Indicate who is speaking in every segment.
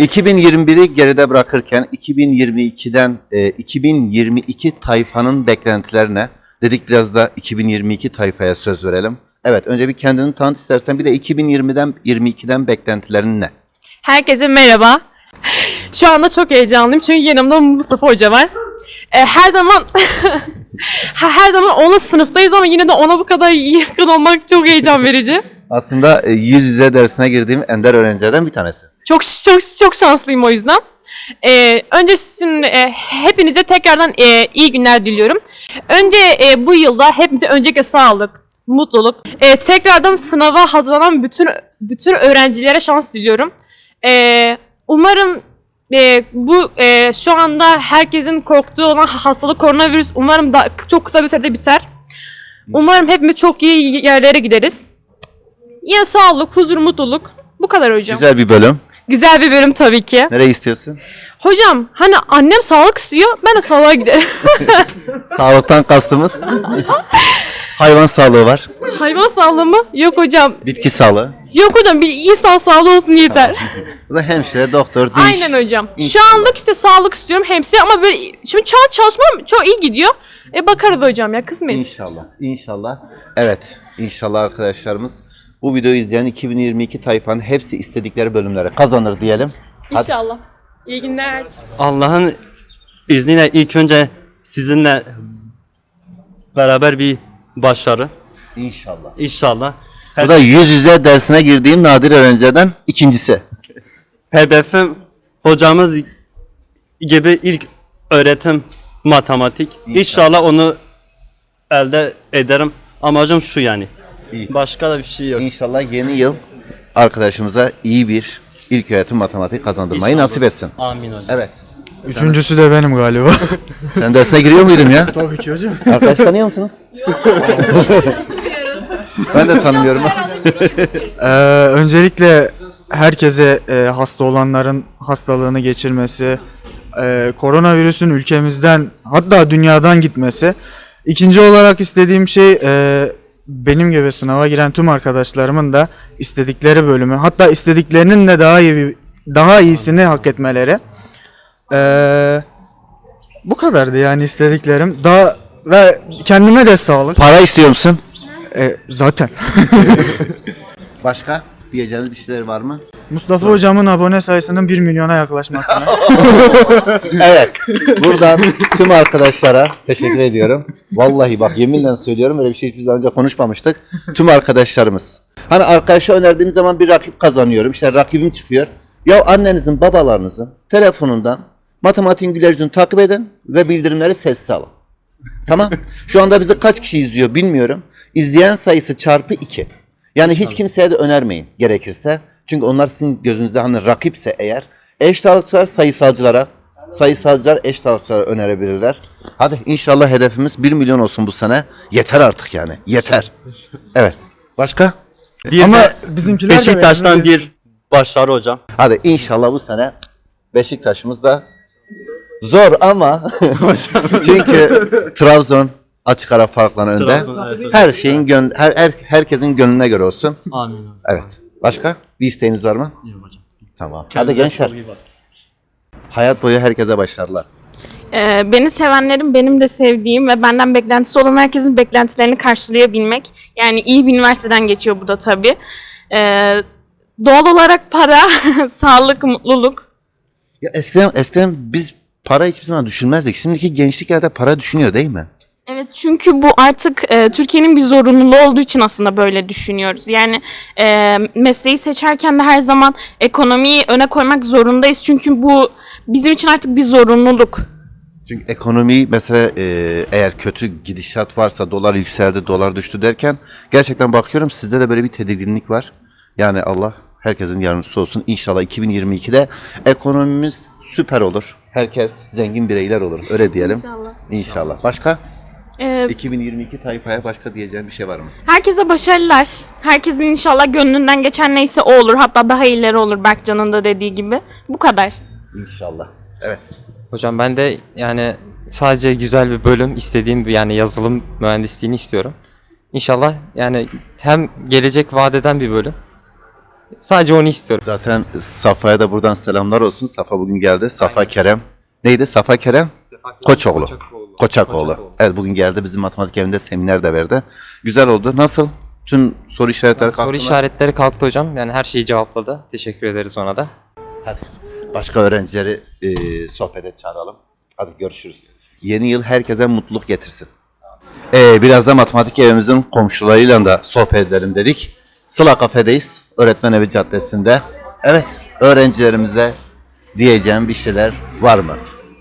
Speaker 1: 2021'i geride bırakırken 2022'den 2022 tayfanın beklentilerine dedik, biraz da 2022 tayfaya söz verelim. Evet, önce bir kendini tanıt istersen, bir de 2020'den 22'den beklentilerin ne?
Speaker 2: Herkese merhaba. Şu anda çok heyecanlıyım çünkü yanımda Mustafa Hoca var. Her zaman her zaman onun sınıftayız ama yine de ona bu kadar yakın olmak çok heyecan verici.
Speaker 1: Aslında yüz yüze dersine girdiğim ender öğrencilerden bir tanesi.
Speaker 2: Çok şanslıyım o yüzden. Önce şimdi hepinize tekrardan iyi günler diliyorum. Önce bu yılda hepimize öncelikle sağlık, mutluluk. Tekrardan sınava hazırlanan bütün öğrencilere şans diliyorum. Umarım bu şu anda herkesin korktuğu olan hastalık koronavirüs umarım da çok kısa bir sürede biter. Umarım hepimiz çok iyi yerlere gideriz. Yine sağlık, huzur, mutluluk. Bu kadar hocam.
Speaker 1: Güzel bir bölüm.
Speaker 2: Güzel bir bölüm tabii ki.
Speaker 1: Nereye istiyorsun?
Speaker 2: Hocam hani annem sağlık istiyor, ben de sağlığa giderim.
Speaker 1: Sağlıktan kastımız hayvan sağlığı var.
Speaker 2: Hayvan sağlığı mı? Yok hocam.
Speaker 1: Bitki sağlığı.
Speaker 2: Yok hocam, bir insan sağlığı olsun yeter.
Speaker 1: Bu da hemşire, doktor, diş.
Speaker 2: Aynen hocam.
Speaker 1: İnşallah.
Speaker 2: Şu anlık işte sağlık istiyorum, hemşire, ama böyle şimdi çalışmam çok iyi gidiyor. Bakarız hocam ya, kısmet.
Speaker 1: İnşallah. İnşallah. Evet. İnşallah arkadaşlarımız bu videoyu izleyen 2022 tayfanın hepsi istedikleri bölümlere kazanır diyelim. Hadi.
Speaker 2: İnşallah. İyi günler.
Speaker 3: Allah'ın izniyle ilk önce sizinle beraber bir başarı.
Speaker 1: İnşallah.
Speaker 3: İnşallah.
Speaker 1: Bu da yüz yüze dersine girdiğim nadir öğrencilerden ikincisi.
Speaker 3: Hedefim hocamız gibi ilk öğretim matematik. İnşallah onu elde ederim. Amacım şu yani.
Speaker 1: İyi.
Speaker 3: Başka da bir şey yok.
Speaker 1: İnşallah yeni yıl arkadaşımıza iyi bir ilköğretim matematik kazandırmayı
Speaker 3: İnşallah.
Speaker 1: nasip etsin.
Speaker 3: Amin hocam.
Speaker 1: Evet.
Speaker 4: Üçüncüsü de benim galiba.
Speaker 1: Sen dersine giriyor muydun ya?
Speaker 4: Tabii ki hocam.
Speaker 1: Arkadaş tanıyor musunuz? Ben de tanımıyorum.
Speaker 4: Öncelikle herkese hasta olanların hastalığını geçirmesi, koronavirüsün ülkemizden hatta dünyadan gitmesi. İkinci olarak istediğim şey benim gibi sınava giren tüm arkadaşlarımın da istedikleri bölümü, hatta istediklerinin de daha iyisini hak etmeleri. Bu kadardı yani istediklerim. Daha ve kendime de sağlık.
Speaker 1: Para istiyor musun?
Speaker 4: Zaten.
Speaker 1: Başka diyeceğiniz bir şeyler var mı?
Speaker 4: Mustafa hocamın abone sayısının 1 milyona yaklaşmasını.
Speaker 1: Evet. Buradan tüm arkadaşlara teşekkür ediyorum. Vallahi bak, yeminle söylüyorum, öyle bir şey hiç daha önce konuşmamıştık. Tüm arkadaşlarımız. Hani arkadaşa önerdiğim zaman bir rakip kazanıyorum. İşte rakibim çıkıyor. Ya annenizin, babalarınızın telefonundan matematiğin güler yüzünü takip edin ve bildirimleri sessiz alın. Tamam. Şu anda bizi kaç kişi izliyor bilmiyorum. İzleyen sayısı çarpı 2. Yani hiç kimseye de önermeyin gerekirse. Çünkü onlar sizin gözünüzde hani rakipse eğer, eş sağlıkçılar sayısalcılar eş sağlıkçılara önerebilirler. Hadi inşallah hedefimiz 1 milyon olsun bu sene. Yeter artık yani. Yeter. Evet. Başka?
Speaker 3: Bir
Speaker 4: Ama
Speaker 3: de
Speaker 4: bizimkiler de
Speaker 3: Beşiktaş'tan
Speaker 4: memnun değil.
Speaker 3: bir başarı hocam.
Speaker 1: Hadi inşallah bu sene Beşiktaş'ımız da zor ama çünkü Trabzon açık ara farkla önde.
Speaker 3: Trabzon, evet hocam.
Speaker 1: Her şeyin herkesin gönlüne göre olsun.
Speaker 3: Amin hocam.
Speaker 1: Evet. Başka bir isteğiniz var mı?
Speaker 3: İyi hocam.
Speaker 1: Tamam. Hadi
Speaker 3: Kendinize
Speaker 1: gençler.
Speaker 3: çok iyi bakın.
Speaker 1: Hayat boyu herkese başarılar.
Speaker 2: Beni sevenlerin benim de sevdiğim ve benden beklentisi olan herkesin beklentilerini karşılayabilmek. Yani iyi bir üniversiteden geçiyor bu da tabii. Doğal olarak para, sağlık, mutluluk.
Speaker 1: Ya eskiden biz para hiçbir zaman düşünmezdik. Şimdiki gençlik herhalde para düşünüyor değil mi?
Speaker 2: Evet, çünkü bu artık Türkiye'nin bir zorunluluğu olduğu için aslında böyle düşünüyoruz. Yani mesleği seçerken de her zaman ekonomiyi öne koymak zorundayız. Çünkü bu bizim için artık bir zorunluluk.
Speaker 1: Çünkü ekonomi mesela eğer kötü gidişat varsa, dolar yükseldi, dolar düştü derken gerçekten bakıyorum sizde de böyle bir tedirginlik var. Yani Allah herkesin yardımcısı olsun. İnşallah 2022'de ekonomimiz süper olur. Herkes zengin bireyler olur. Öyle diyelim.
Speaker 2: İnşallah.
Speaker 1: İnşallah. Başka?
Speaker 2: E,
Speaker 1: 2022 tayfaya başka diyeceğim bir şey var mı?
Speaker 2: Herkese başarılar. Herkesin inşallah gönlünden geçen neyse o olur. Hatta daha iyileri olur, Berkcan'ın da dediği gibi. Bu kadar.
Speaker 1: İnşallah. Evet.
Speaker 5: Hocam ben de yani sadece güzel bir bölüm istediğim bir yani yazılım mühendisliğini istiyorum. İnşallah yani hem gelecek vadeden bir bölüm. Sadece onu istiyorum.
Speaker 1: Zaten Safa'ya da buradan selamlar olsun. Safa bugün geldi. Safa Kerem. Neydi? Safa Kerem? Koçoğlu. Koçakoğlu. Evet bugün geldi. Bizim matematik evinde seminer de verdi. Güzel oldu. Nasıl? Tüm soru işaretleri kalktı
Speaker 5: Soru
Speaker 1: mı?
Speaker 5: işaretleri kalktı hocam. Yani her şeyi cevapladı. Teşekkür ederiz ona da.
Speaker 1: Hadi. Başka öğrencileri sohbete çağıralım. Hadi görüşürüz. Yeni yıl herkese mutluluk getirsin. Biraz da matematik evimizin komşularıyla da sohbet edelim dedik. Sıla Kafe'deyiz. Öğretmen Evi Caddesi'nde. Evet, öğrencilerimize diyeceğim bir şeyler var mı?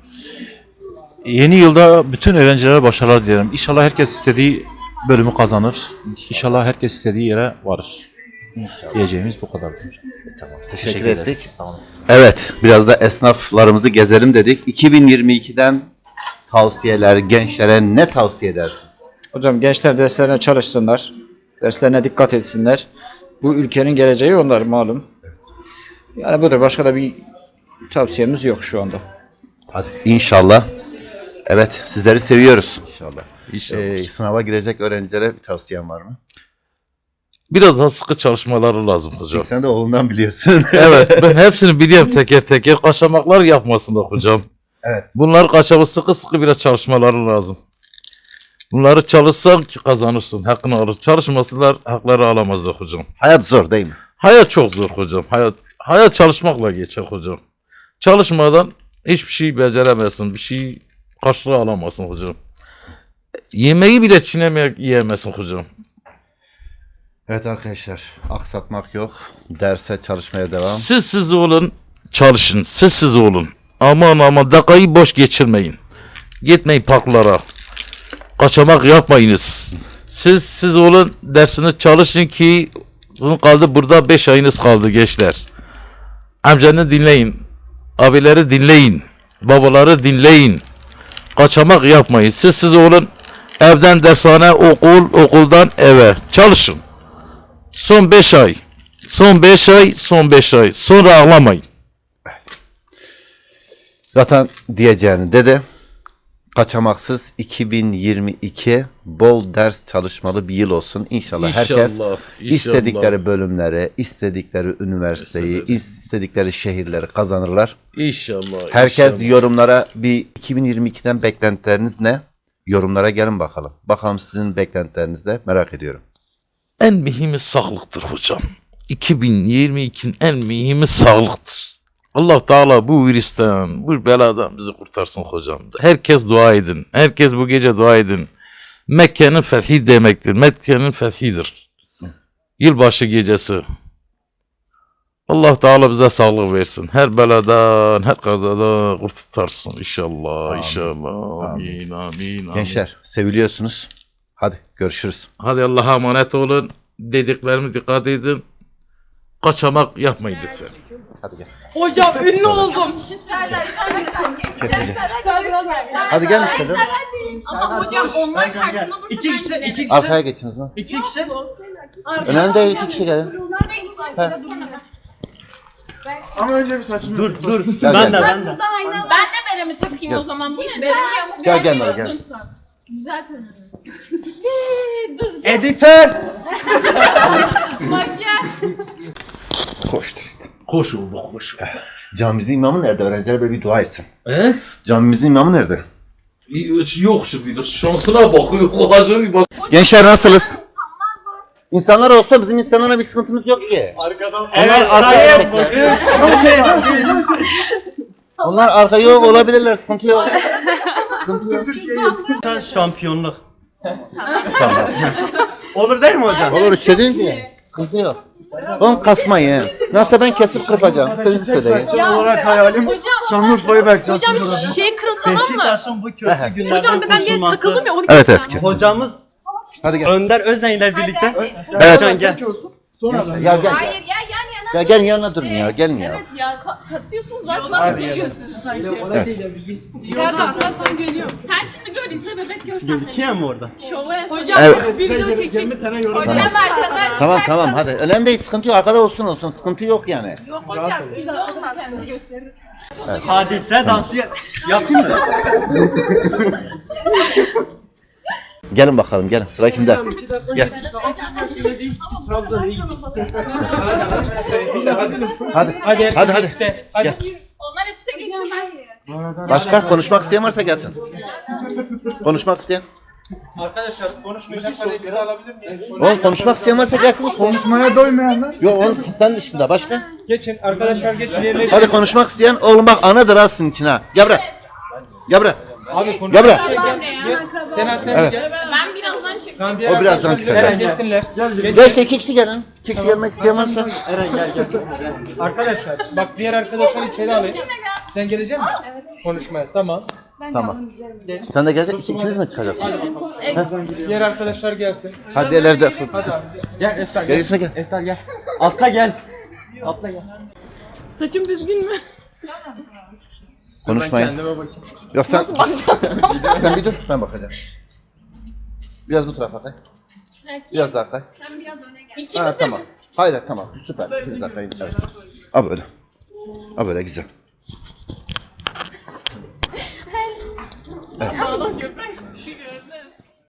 Speaker 6: Yeni yılda bütün öğrencilere başarılar dilerim. İnşallah herkes istediği bölümü kazanır. İnşallah herkes istediği yere varır. Diyeceğimiz bu kadar.
Speaker 1: Tamam, teşekkür ettik. Evet, biraz da esnaflarımızı gezelim dedik. 2022'den tavsiyeler, gençlere ne tavsiye edersiniz?
Speaker 7: Hocam gençler derslerine çalışsınlar. Derslerine dikkat etsinler. Bu ülkenin geleceği onlar malum. Yani budur. Başka da bir tavsiyemiz yok şu anda.
Speaker 1: Hadi inşallah. Evet, sizleri seviyoruz. İnşallah.
Speaker 6: İnşallah.
Speaker 1: Sınava girecek öğrencilere bir tavsiyen var mı?
Speaker 6: Biraz daha sıkı çalışmaları lazım hocam.
Speaker 1: Sen de oğlundan biliyorsun.
Speaker 6: Evet, ben hepsini biliyorum teker teker. Kaçamaklar yapmasınlar hocam.
Speaker 1: Evet.
Speaker 6: Bunlar kaçamı sıkı biraz çalışmaları lazım. Bunları çalışsan ki kazanırsın, hakkını alır. Çalışmasınlar, hakları alamazlar hocam.
Speaker 1: Hayat zor değil mi?
Speaker 6: Hayat çok zor hocam. Hayat çalışmakla geçer hocam. Çalışmadan hiçbir şey beceremezsin. Bir şey karşılığı alamazsın hocam. Yemeği bile çiğnemeyerek yiyemezsin hocam.
Speaker 1: Evet arkadaşlar, aksatmak yok. Derse çalışmaya devam.
Speaker 6: Siz olun, çalışın. Siz olun. Aman dakikayı boş geçirmeyin. Gitmeyin parklara. Kaçamak yapmayınız. Siz olun, dersini çalışın ki sizin kaldı burada 5 ayınız kaldı gençler. Amcanı dinleyin. Abileri dinleyin. Babaları dinleyin. Kaçamak yapmayın. Siz olun. Evden dershane, okuldan eve. Çalışın. Son 5 ay. Son 5 ay. Sonra ağlamayın.
Speaker 1: Zaten diyeceğini dedi. Kaçamaksız 2022 bol ders çalışmalı bir yıl olsun. İnşallah herkes
Speaker 6: İnşallah.
Speaker 1: istedikleri bölümleri, istedikleri üniversiteyi, istedikleri şehirleri kazanırlar.
Speaker 6: İnşallah.
Speaker 1: Herkes yorumlara bir 2022'den beklentileriniz ne? Yorumlara gelin bakalım. Bakalım sizin beklentileriniz de merak ediyorum.
Speaker 6: En mühimi sağlıktır hocam. 2022'nin en mühimi sağlıktır. Allah Teala bu virüsten, bu beladan bizi kurtarsın hocam. Herkes dua edin. Herkes bu gece dua edin. Mekke'nin fethi demektir. Mekke'nin fethidir. Yılbaşı gecesi. Allah Teala bize sağlık versin. Her beladan, her kazadan kurtarsın inşallah. İnşallah. Amin, amin.
Speaker 1: Gençler seviliyorsunuz. Hadi görüşürüz.
Speaker 6: Hadi Allah'a emanet olun. Dediklerime dikkat edin. Kaçamak yapmayın lütfen.
Speaker 1: Hadi gel.
Speaker 2: Hocam ünlü oldum.
Speaker 1: Hadi gel işte.
Speaker 2: Ama hocam onlar karşısında dursa
Speaker 3: İki kişi.
Speaker 1: Arkaya geçin o zaman.
Speaker 3: İki kişi.
Speaker 1: Önemli değil, iki kişi gelin.
Speaker 4: Ama önce bir saçımı...
Speaker 1: Gel,
Speaker 3: Ben
Speaker 1: gel.
Speaker 3: de.
Speaker 8: Ben de beremi takayım o zaman. Bu ne? Beremi yamuk
Speaker 1: Gel gel Nara,
Speaker 8: görmüyorsun.
Speaker 1: gel.
Speaker 8: Güzel tanıdım.
Speaker 3: Editör.
Speaker 8: Makyaj.
Speaker 1: Koştur işte.
Speaker 6: Hoş oldu, hoş oldu.
Speaker 1: Camimizin imamı nerede? Öğrenciler böyle bir dua etsin.
Speaker 6: He?
Speaker 1: Camimizin imamı nerede?
Speaker 6: Yok şimdi, şansına bakıyor. Olacak bir bak.
Speaker 1: Gençler nasılız? İnsanlar olsa bizim insanlara bir sıkıntımız yok ki. Onlar arka erkekler. Onlar arka yok olabilirler, sıkıntı yok.
Speaker 3: Şampiyonluk. Olur değil mi hocam?
Speaker 1: Olur istediğin gibi. Sıkıntı yok. Oğlum kasmayın. Nasıl ben kesip kırpacağım. Siz söyleyin.
Speaker 4: olarak hayalim Şanlıurfa'yı Berkcan
Speaker 2: Hocam şey kırıl tamam mı?
Speaker 3: Beşiktaş'ın bu kötü günlerden
Speaker 2: Hocam ben bir yere takıldım
Speaker 3: kurtulması.
Speaker 2: ya onu
Speaker 1: Evet
Speaker 2: keseceğim.
Speaker 1: evet kes.
Speaker 3: Hocamız
Speaker 1: Hadi gel.
Speaker 3: Önder Özden ile birlikte.
Speaker 1: Evet.
Speaker 3: Can gel.
Speaker 4: Sonra ben.
Speaker 1: Ya gel.
Speaker 8: Hayır ya yan yana.
Speaker 1: Ya gelin yanına durun ya. Gelin ya.
Speaker 8: Evet ya kasıyorsunuz zaten. Geliyorsunuz sanki.
Speaker 2: Serdar ben sana geliyorum. Sen şimdi gör izle bebek görsen.
Speaker 3: Gözüküyor mu orada?
Speaker 2: Şovu hocam
Speaker 1: Evet.
Speaker 2: bir video çektik.
Speaker 8: Hocam arkadan.
Speaker 1: Tamam tamam hadi. Önemli değil, sıkıntı yok. Arkada olsun. Sıkıntı yok yani.
Speaker 8: Yok hocam ünlü olmaz. Kendinizi gösterin.
Speaker 3: Hadise dansı yapayım mı?
Speaker 1: Gelin bakalım gelin. Sıra kimde? Gel. Hadi. Hadi. Gel.
Speaker 8: Onlar etse geçiyor.
Speaker 1: Başka konuşmak isteyen varsa gelsin. Konuşmak isteyen.
Speaker 9: Arkadaşlar konuşmayacaklar hepsi alabilir miyim?
Speaker 1: Oğlum konuşmak isteyen varsa gelsin işte.
Speaker 4: Konuşmaya doymayanlar.
Speaker 1: Yok oğlum sen dışında başka.
Speaker 9: Geçin arkadaşlar geçin yerleşin.
Speaker 1: Hadi konuşmak isteyen oğlum bak anadır ha sizin için ha. Gel buraya. Gel buraya.
Speaker 9: Abi konuş.
Speaker 1: Gel buraya.
Speaker 9: Sen
Speaker 1: Evet.
Speaker 9: gel.
Speaker 8: Ben birazdan çıkıyorum.
Speaker 9: Tamam, diğer
Speaker 1: O birazdan
Speaker 9: arkadaşlar
Speaker 1: çıkacak.
Speaker 9: Gelsinler.
Speaker 1: Ya işte 2 kişi gelin. 2 kişi gelmek isteyen varsa.
Speaker 9: Arkadaşlar bak diğer arkadaşlar içeri alayım. Sen gelecek misin? Evet. Konuşmaya. Tamam.
Speaker 1: Tamam. Sen de gelecek. İkiniz mi çıkacaksınız?
Speaker 9: Diğer arkadaşlar gelsin.
Speaker 1: Hadi ileride.
Speaker 9: Hadi abi.
Speaker 3: Gel Eftar gel.
Speaker 1: Gelirse gel.
Speaker 3: Eftar gel. Atla gel. Atla gel.
Speaker 2: Saçım düzgün mü?
Speaker 1: Konuşmayın.
Speaker 3: Kendime bakayım.
Speaker 1: Yok sen bir dur ben bakacağım. Biraz bu tarafa kay. Biraz daha kay.
Speaker 8: Sen biraz öne gel.
Speaker 2: İkimiz
Speaker 1: Ha
Speaker 2: de
Speaker 1: tamam. Hayır süper. 2 dakika. Evet. Ha böyle. Ha böyle güzel.